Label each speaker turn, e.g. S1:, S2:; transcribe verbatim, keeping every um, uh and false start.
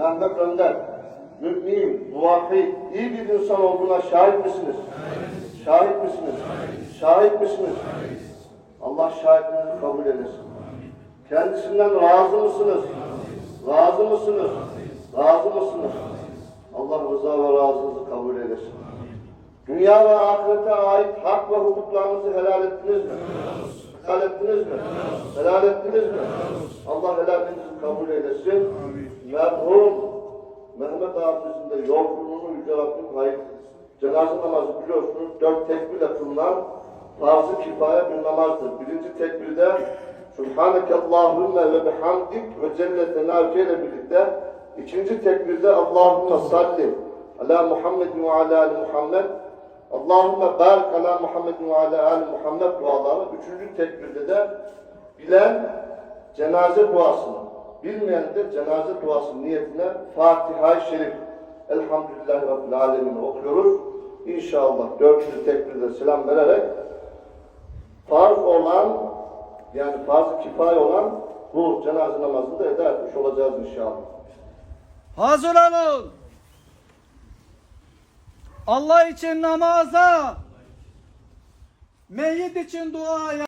S1: Mehmet Önder, mümin, muvahhid, iyi bir insan olduğuna şahit misiniz? Şahit, şahit misiniz? Şahit, şahit misiniz? Şahit. Allah şahitliğinizi kabul eylesin. Kendisinden razı mısınız? Razı mısınız? Razı mısınız? Allah rıza ve razınızı kabul eylesin. Dünya ve ahirete ait hak ve hukuklarınızı helal ettiniz mi? Helal ettiniz mi? Helal ettiniz mi? Allah helalinizi kabul eylesin. Merhum Mehmet abimizin de yolculuğunu Yüce Rabbim hayır. Cenaze namazı biliyorsunuz dört tekbirle kılınan farz-ı kifaya bir namazdır. Birinci tekbirde Subhaneke Allahümme ve bihamdik ve celle tenavke ile birlikte ikinci tekbirde Allahümme salli ala Muhammed ve ala ali Muhammed Allahümme barik ala Muhammed ve ala ali Muhammed duaları. Üçüncü tekbirde de bilen cenaze duasını, bilmeyen de cenaze duası niyetine Fatiha-i Şerif Elhamdülillahi Rabbil Alemin'i okuyoruz. İnşallah dördüncü tekbirde selam vererek farz olan, yani farz-ı kifaye olan bu cenaze namazını da eda etmiş olacağız inşallah.
S2: Hazır olun. Allah için namaza, meyyit için duaya.